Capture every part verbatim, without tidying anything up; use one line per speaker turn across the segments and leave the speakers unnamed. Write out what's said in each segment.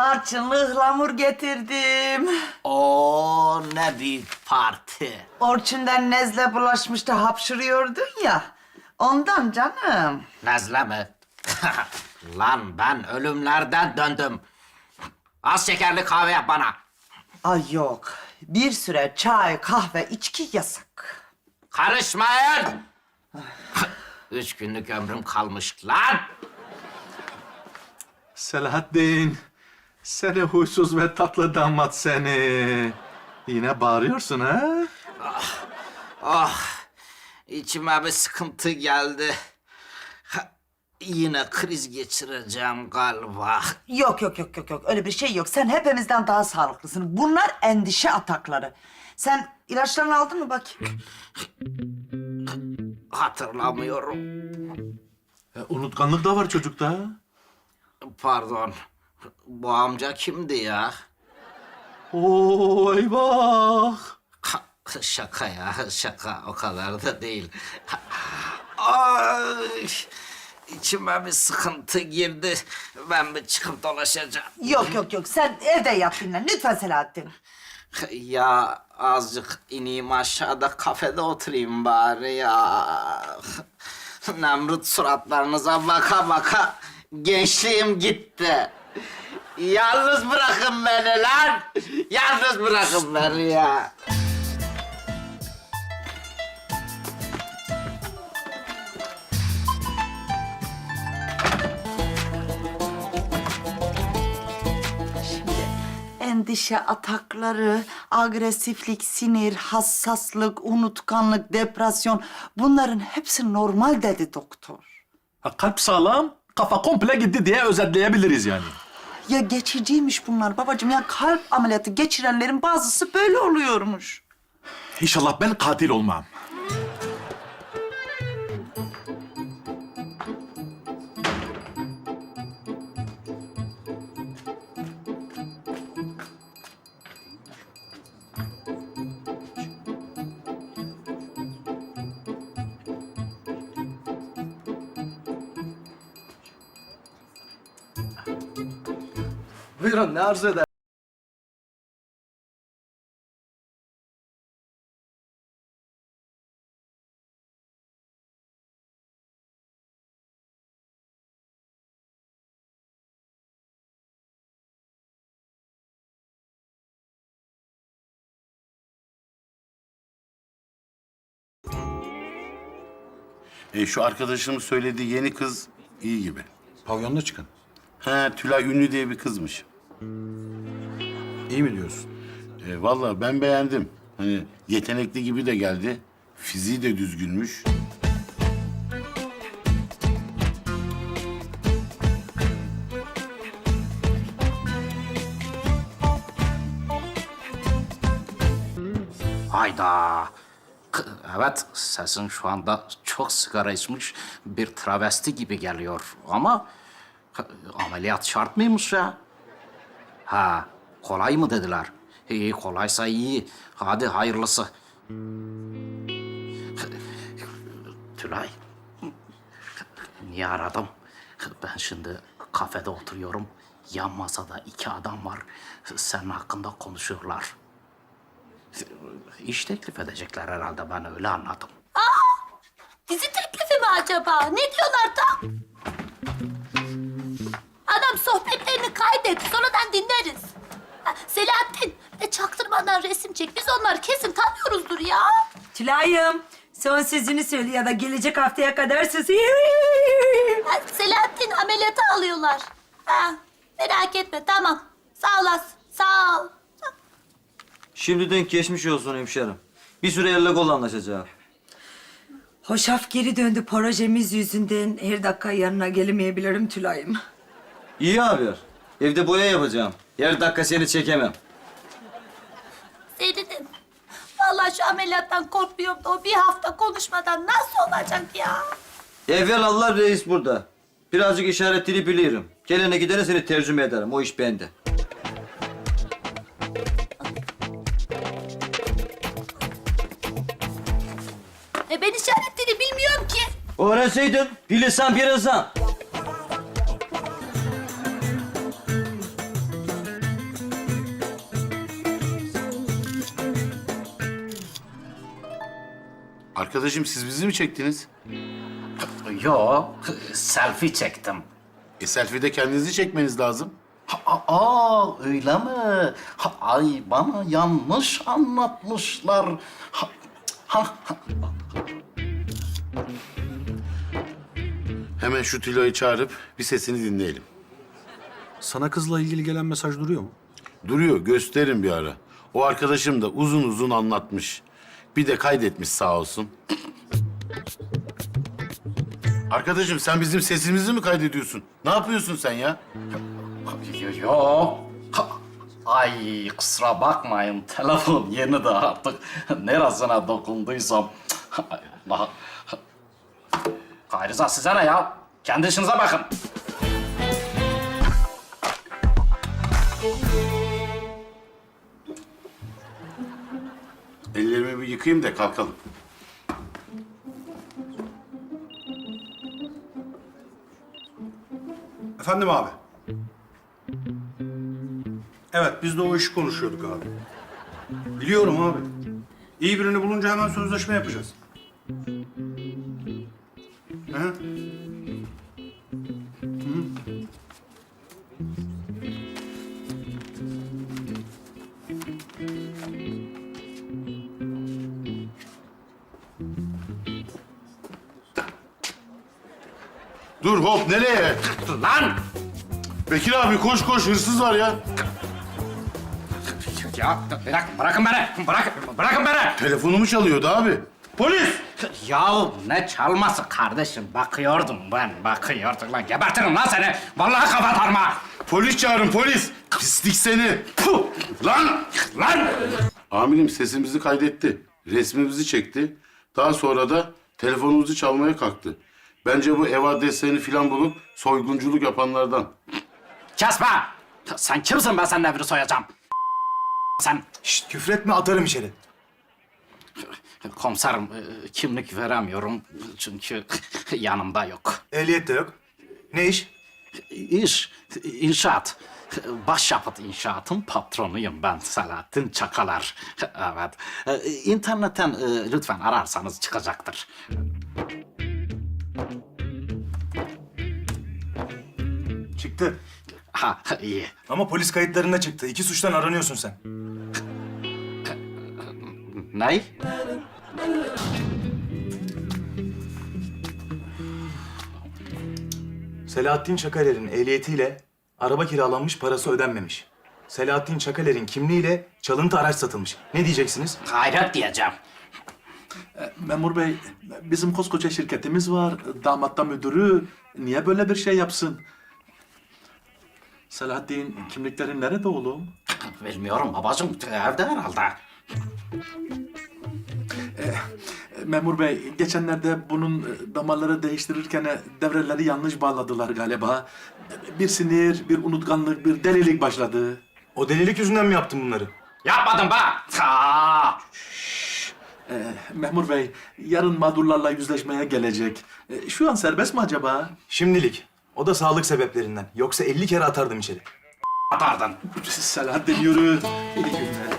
Tarçınlı ıhlamur getirdim.
Oo, ne büyük parti.
Orçun'dan nezle bulaşmış da hapşırıyordun ya. Ondan canım.
Nezle mi? Lan ben ölümlerden döndüm. Az şekerli kahve yap bana.
Ay yok. Bir süre çay, kahve, içki yasak.
Karışmayın. Üç günlük ömrüm kalmış lan.
Selahattin, seni huysuz ve tatlı damat seni. Yine bağırıyorsun ha?
Ah, içime bir sıkıntı geldi. Ha, Yine kriz geçireceğim galiba.
Yok yok yok yok yok. Öyle bir şey yok. Sen hepimizden daha sağlıklısın. Bunlar endişe atakları. Sen ilaçlarını aldın mı bakayım?
Hatırlamıyorum.
E, unutkanlık da var çocukta.
Pardon. Bu amca kimdi ya?
Oo, eyvah.
Ha, Şaka ya, şaka. O kadar da değil. Ay, içime bir sıkıntı girdi. Ben bir çıkıp dolaşacağım.
Yok yok yok. Sen evde yat dinlen. Lütfen Selahattin.
Ya azıcık ineyim aşağıda kafede oturayım bari ya. Nemrut suratlarınıza baka baka gençliğim gitti. Yalnız bırakın beni lan. Yalnız bırakın beni ya.
Endişe atakları, agresiflik, sinir, hassaslık, unutkanlık, depresyon... bunların hepsi normal dedi doktor.
Ha, kalp sağlam, kafa komple gitti diye özetleyebiliriz yani.
Ya geçiciymiş bunlar babacığım. Ya kalp ameliyatı geçirenlerin bazısı böyle oluyormuş.
İnşallah ben katil olmam.
Buyurun, ne arzu eder?
E, şu arkadaşımın söylediği yeni kız iyi gibi.
Pavyonda çıkın.
He, Tülay Ünlü diye bir kızmış.
İyi mi diyorsun?
E, vallahi ben beğendim. Hani yetenekli gibi de geldi. Fiziği de düzgünmüş.
Hayda. K- Evet, sesin şu anda çok sigara içmiş bir travesti gibi geliyor. Ama k- ameliyat şart mıymış ya? Ha, kolay mı dediler? İyi, kolaysa iyi. Hadi hayırlısı. Tülay, niye aradım? Ben şimdi kafede oturuyorum. Yan masada iki adam var. Senin hakkında konuşuyorlar. İş teklif edecekler herhalde, ben öyle anladım.
Dizi teklifi mi acaba? Ne diyorlar tam? Adam sohbetlerini kaydet, sonradan dinleriz. Ha, Selahattin, e, çaktırmadan resim çek. Biz onları kesin tanıyoruzdur ya.
Tülay'ım, son sözünü söyle ya da gelecek haftaya kadar sus.
Ha, Selahattin ameliyata alıyorlar. Ha, merak etme, tamam. Sağ olasın, sağ ol.
Şimdiden geçmiş olsun hemşerim. Bir süre elle kolla anlaşacağız.
Hoşaf geri döndü projemiz yüzünden. Her dakika yanına gelemeyebilirim Tülay'ım.
İyi haber. Evde boya yapacağım. Her dakika seni çekemem.
Zeytin'im, vallahi şu ameliyattan korkmuyorum da o bir hafta konuşmadan nasıl olacak ya?
Evvel Allah reis burada. Birazcık işaret dili biliyorum. Gelene gidene seni tercüme ederim. O iş bende.
E ben işaret dili bilmiyorum ki.
Öğrenseydin, bilirsen bir insan.
Arkadaşım siz bizi mi çektiniz?
Yo, selfie çektim.
E selfie'de kendinizi çekmeniz lazım.
Ha, Aa, öyle mi? Ha, ay bana yanlış anlatmışlar. Ha, ha, ha.
Hemen şu Tilo'yu çağırıp bir sesini dinleyelim.
Sana kızla ilgili gelen mesaj duruyor mu?
Duruyor, gösterin bir ara. O arkadaşım da uzun uzun anlatmış. Bir de kaydetmiş sağ olsun. Arkadaşım sen bizim sesimizi mi kaydediyorsun? Ne yapıyorsun sen ya?
Yo, yo. Ha, ay kusura bakmayın, telefon yeni de artık neresine dokunduysam. Ay, Allah. Gayrıza size ne ya? Kendi işinize bakın.
Ellerimi bir yıkayayım da kalkalım.
Efendim abi. Evet, biz de o işi konuşuyorduk abi. Biliyorum abi. İyi birini bulunca hemen sözleşme yapacağız. Hı?
Dur hop nereye?
Lan!
Bekir abi koş koş hırsız var ya.
Ya bırak, bırakın beni! Bırak, bırakın beni!
Telefonumu çalıyordu abi. Polis!
Ya ne çalması kardeşim? Bakıyordum ben, bakıyordum lan. Gebertirim lan seni! Vallahi kapatarım ha!
Polis çağırın polis. Pislik seni.
Puh!
Lan!
Lan!
Amirim sesimizi kaydetti. Resmimizi çekti. Daha sonra da telefonumuzu çalmaya kalktı. Bence bu ev adreslerini falan bulup soygunculuk yapanlardan.
Kesme! Sen kimsin, ben senin evini soyacağım? Sen
Şşt, küfretme atarım içeri.
komiserim, e, kimlik veremiyorum çünkü yanımda yok.
Ehliyet de yok. Ne iş?
İş, inşaat. Başyapıt inşaatın patronuyum ben, Selahattin Çakalar. Evet. E, İnternetten e, lütfen ararsanız çıkacaktır.
Çıktı.
Ha, iyi.
Ama polis kayıtlarında çıktı. İki suçtan aranıyorsun sen.
Ney?
Selahattin Çakaler'in ehliyetiyle araba kiralanmış, parası ödenmemiş. Selahattin Çakaler'in kimliğiyle çalıntı araç satılmış. Ne diyeceksiniz?
Hayret diyeceğim.
Memur bey, bizim koskoca şirketimiz var. Damat da müdürü. Niye böyle bir şey yapsın? Selahattin, kimliklerin nerede oğlum?
Bilmiyorum babacığım, evde herhalde.
Memur bey, geçenlerde bunun damarları değiştirirken devreleri yanlış bağladılar galiba. Bir sinir, bir unutkanlık, bir delilik başladı.
O delilik yüzünden mi yaptın bunları?
Yapmadım be! Ha!
Ee, memur bey, yarın mağdurlarla yüzleşmeye gelecek. Ee, şu an serbest mi acaba?
Şimdilik. O da sağlık sebeplerinden. Yoksa elli kere atardım içeri.
Atardın.
Selahattin yürü. İyi günler.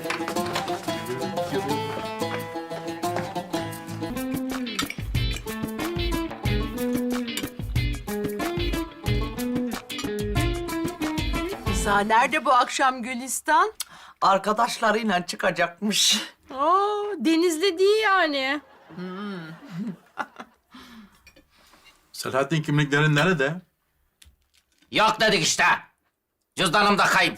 Rıza nerede bu akşam Gülistan?
Arkadaşlarıyla çıkacakmış.
Aa, Denizli değil yani.
Selahattin kimliklerin nerede?
Yok dedik işte. Cüzdanım da kayıp.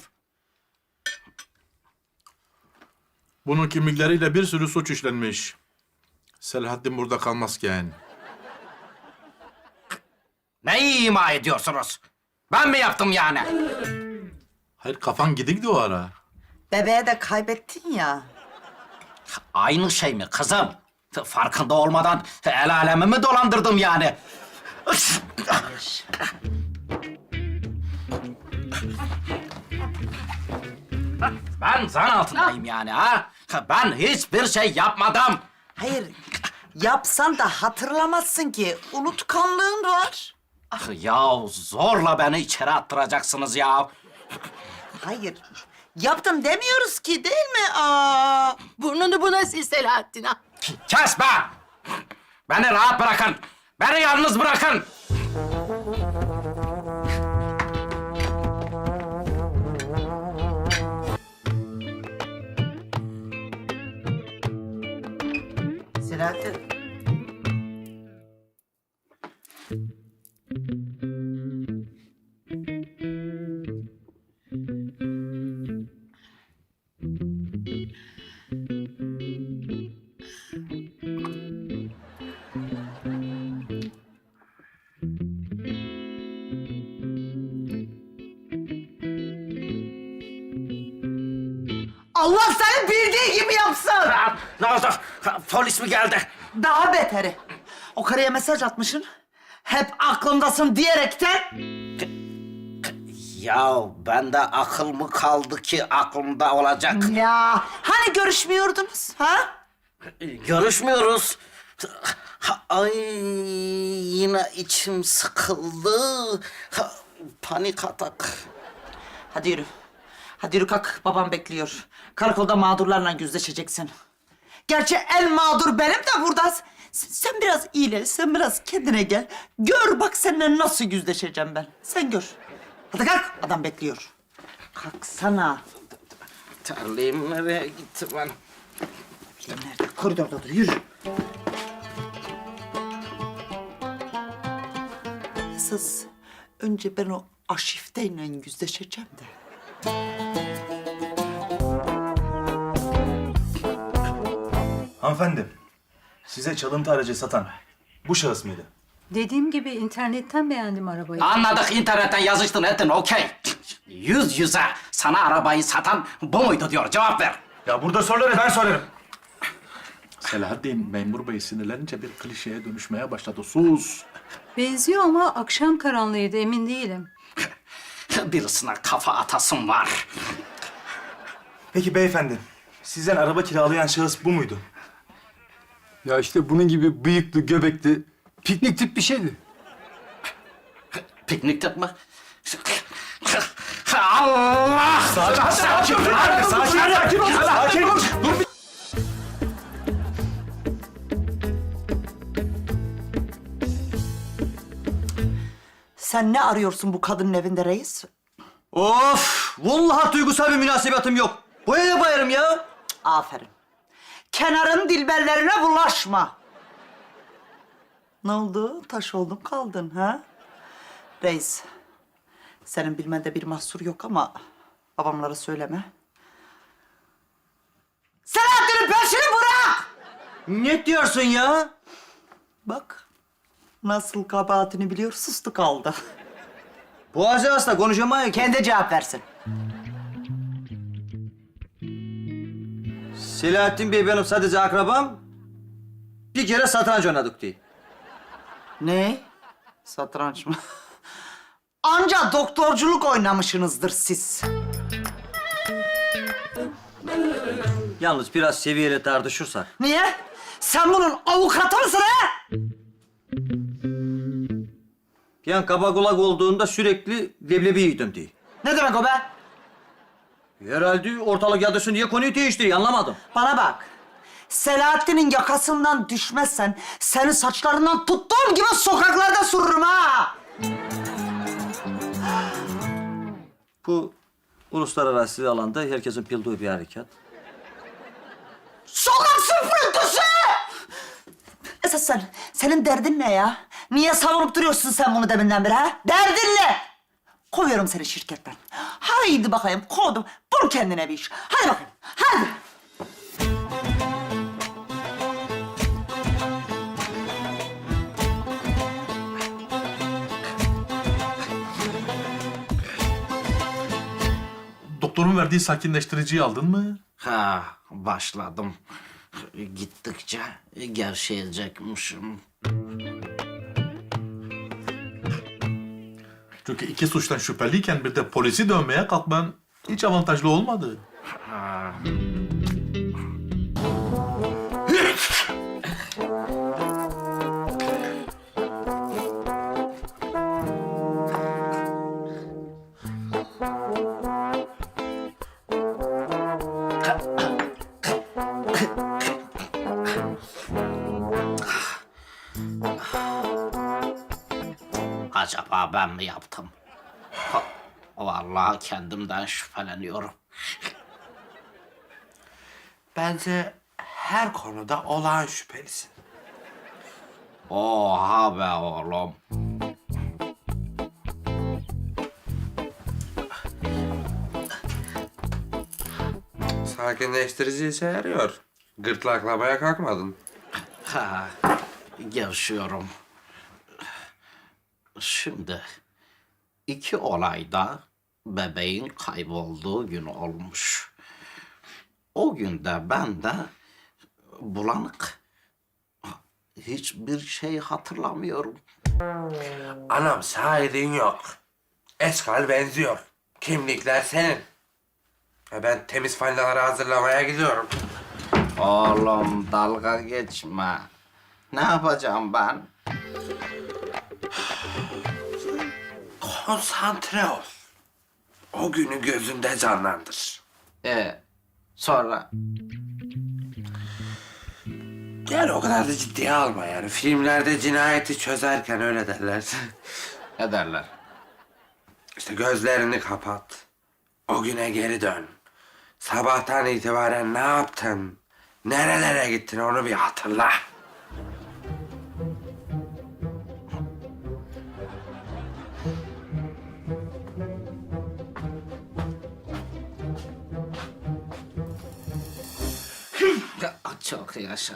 Bunun kimlikleriyle bir sürü suç işlenmiş. Selahattin burada kalmazken.
Neyi ima ediyorsunuz? Ben mi yaptım yani?
Hayır kafan gidikti o ara.
Bebeğe de kaybettin ya.
Aynı şey mi kızım? Farkında olmadan el alemi mi dolandırdım yani? Ben zan altındayım yani ha? Ben hiçbir şey yapmadım.
Hayır, yapsan da hatırlamazsın ki. Unutkanlığın var.
Ya zorla beni içeri attıracaksınız ya.
Hayır, yaptım demiyoruz ki değil mi? Aa.
Burnunu buna sil Selahattin ha.
Kes be! Beni rahat bırakın. Beni yalnız bırakın.
Selahattin. Allah seni bildiği gibi yapsın.
Ne oldu? Polis mi geldi?
Daha beteri. O karıya mesaj atmışsın. Hep aklımdasın diyerekten.
Ya bende akıl mı kaldı ki aklımda olacak?
Ya hani görüşmüyordunuz ha?
Görüşmüyoruz. Ha, Ay yine içim sıkıldı. Ha, Panik atak.
Hadi yürü. Hadi yürü kalk. Babam bekliyor. Karakolda mağdurlarla yüzleşeceksin. Gerçi en mağdur benim de burada. Sen, sen biraz iyileş, sen biraz kendine gel. Gör bak seninle nasıl yüzleşeceğim ben. Sen gör. Hadi kalk. Adam bekliyor. Kalksana.
Terliğim nereye gitti ben?
Nerede? Koridorda dur. Yürü. Esas önce ben o Aşifte'yle yüzleşeceğim de.
Hanımefendi, size çalıntı aracı satan bu şahıs mıydı?
Dediğim gibi internetten beğendim arabayı.
Anladık, internetten yazıştın ettin, okey. Yüz yüze sana arabayı satan bu muydu diyor, cevap ver.
Ya burada soruları ben sorarım.
Selahattin, memur bey sinirlenince bir klişeye dönüşmeye başladı. Sus.
Benziyor ama akşam karanlığıydı, emin değilim.
Birisine kafa atasım var.
Peki beyefendi, sizden araba kiralayan şahıs bu muydu?
Ya işte bunun gibi bıyıklı, göbekli, piknik tip bir şeydi.
Piknik tip mi? Allah!
Sakin, sakin, beyefendi, sakin, sakin, ol, sakin. Dur bir...
Sen ne arıyorsun bu kadının evinde reis?
Of! Vallahi duygusal bir münasebetim yok. Bu eve bayarım ya.
Aferin. Kenarın dilberlerine bulaşma. Ne oldu? Taş oldun kaldın ha? Reis, senin bilmende bir mahsur yok ama babamlara söyleme. Selahattin'in peşini bırak!
Ne diyorsun ya?
Bak, nasıl kabahatini biliyor, sustu kaldı.
Boğazı hasta konuşamayız.
Kendi cevap versin.
Selahattin Bey benim sadece akrabam. Bir kere satranç oynadık diye.
Ne? Satranç mı? Anca doktorculuk oynamışsınızdır siz.
Yalnız biraz seviyeli tartışırsak.
Niye? Sen bunun avukatı mısın ha?
Ben kaba kulak olduğunda sürekli leblebi yedim diye.
Ne demek o be?
Herhalde ortalık yadırsın diye konuyu değiştiriyor, anlamadım.
Bana bak. Selahattin'in yakasından düşmezsen seni saçlarından tuttuğum gibi sokaklarda sürürüm ha.
Bu uluslararası alanda herkesin bildiği bir harekat.
Sokak süpürüntüsü! Esas sen, senin derdin ne ya? Niye savunup duruyorsun sen bunu deminden beri ha? Derdin ne? Kovuyorum seni şirketten. Haydi bakayım, kovdum. Bul kendine bir iş. Hadi bakayım, hadi.
Doktorun verdiği sakinleştiriciyi aldın mı?
Ha, başladım. Gittikçe gevşeyecekmişim.
Çünkü iki suçtan şüpheliyken bir de polisi dövmeye kalkman hiç avantajlı olmadı.
Acaba ben mi yaptım? Ha, vallahi kendimden şüpheleniyorum.
Bence her konuda olağan şüphelisin.
Oha be oğlum.
Sakinleştirici işe yarıyor. Gırtlaklamaya kalkmadın.
Ha, gevşiyorum. Şimdi iki olayda bebeğin kaybolduğu gün olmuş. O günde ben de bulanık. Hiçbir şey hatırlamıyorum.
Anam şahidin yok. Eşkal benziyor. Kimlikler senin. E ben temiz falinaları hazırlamaya gidiyorum.
Oğlum dalga geçme. Ne yapacağım ben?
Konsantre ol. O günü gözünde canlandır.
E sonra
Yani o kadar da ciddiye alma yani. Filmlerde cinayeti çözerken öyle derler.
ne derler?
İşte gözlerini kapat. O güne geri dön. Sabahtan itibaren ne yaptın? Nerelere gittin onu bir hatırla.
Çok yaşa.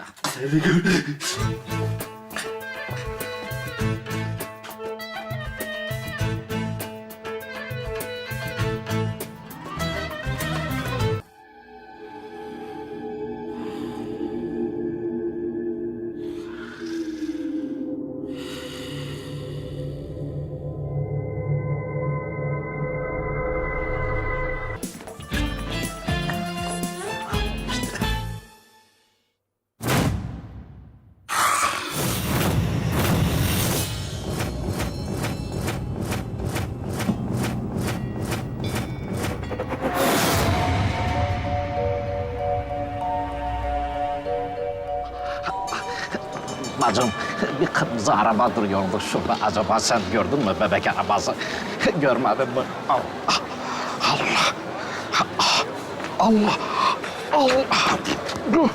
Bacım, bir kırmızı araba duruyordu şurada. Acaba sen gördün mü bebek arabası? Görmedin mi? Allah! Allah! Allah! Allah!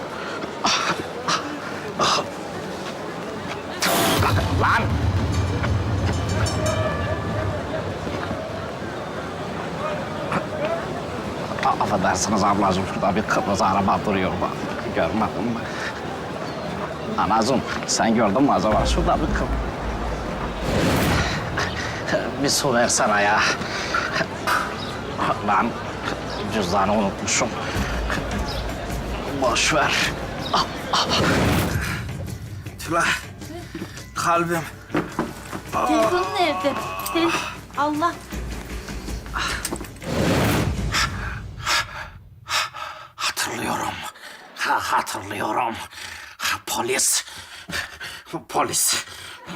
Lan! Affedersiniz ablacığım, şurada bir kırmızı araba duruyordu. Görmedin mi? Anacığım, sen gördün mü acaba? Şurada bir kız. Bir su versene ya. Ben cüzdanı unutmuşum. Boş ver.
Tülay, kalbim.
Telefonun nerede? Te- Allah.
Hatırlıyorum. Ha, hatırlıyorum. Polis. Polis.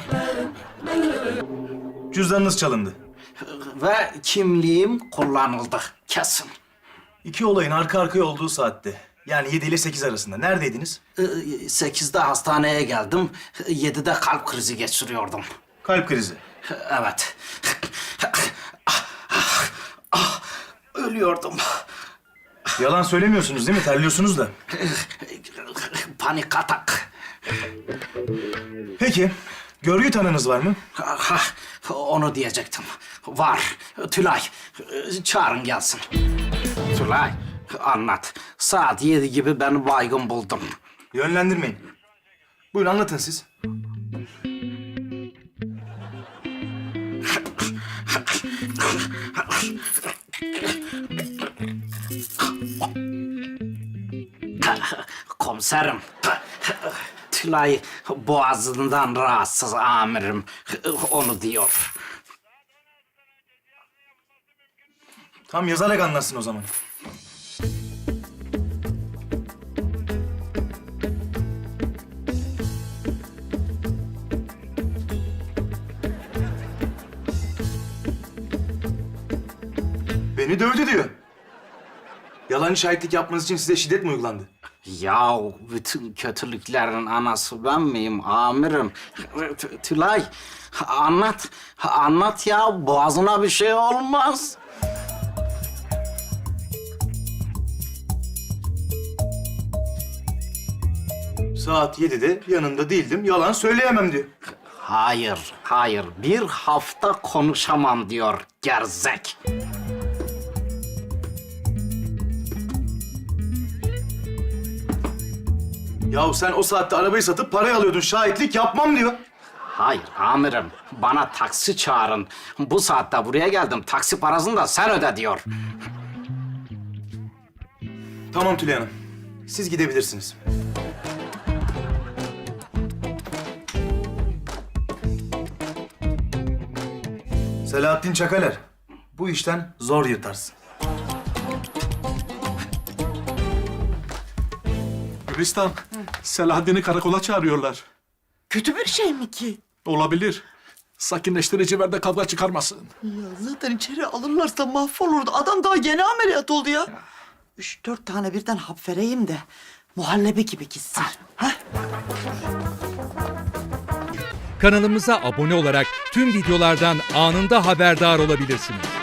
Cüzdanınız çalındı.
Ve kimliğim kullanıldı. Kesin.
İki olayın arka arkaya olduğu saatte. Yani yedi ile sekiz arasında. Neredeydiniz?
Ee, Sekizde hastaneye geldim. Yedide kalp krizi geçiriyordum.
Kalp krizi.
Evet. Ölüyordum.
Yalan söylemiyorsunuz değil mi? Terliyorsunuz da.
Panik atak.
Peki, görgü tanığınız var mı?
Ha, onu diyecektim. Var. Tülay, çağırın gelsin. Tülay, anlat. Saat yedi gibi ben baygın buldum.
Yönlendirmeyin. Buyurun anlatın siz.
Komiserim, Tülay boğazından rahatsız amirim. Onu diyor.
Tam yazarak anlatsın o zaman. Beni dövdü diyor. Yalancı şahitlik yapmanız için size şiddet mi uygulandı?
Ya bütün kötülüklerin anası ben miyim amirim? T- Tülay anlat, anlat ya boğazına bir şey olmaz.
Saat yedide yanında değildim, yalan söyleyemem diyor.
Hayır, hayır. Bir hafta konuşamam diyor gerzek.
Yahu sen o saatte arabayı satıp parayı alıyordun, şahitlik yapmam diyor.
Hayır amirim, bana taksi çağırın. Bu saatte buraya geldim, taksi parasını da sen öde diyor.
Tamam Tülay Hanım, siz gidebilirsiniz. Selahattin Çakaler, bu işten zor yırtarsın.
Gülistan, Selahaddin'i karakola çağırıyorlar.
Kötü bir şey mi ki?
Olabilir. Sakinleştirici ver de kavga çıkarmasın.
Ya zaten içeri alırlarsa mahvolurdu. Adam daha yeni ameliyat oldu ya. Üç dört tane birden hap vereyim de muhallebi gibi gitsin. Ha?
Kanalımıza abone olarak tüm videolardan anında haberdar olabilirsiniz.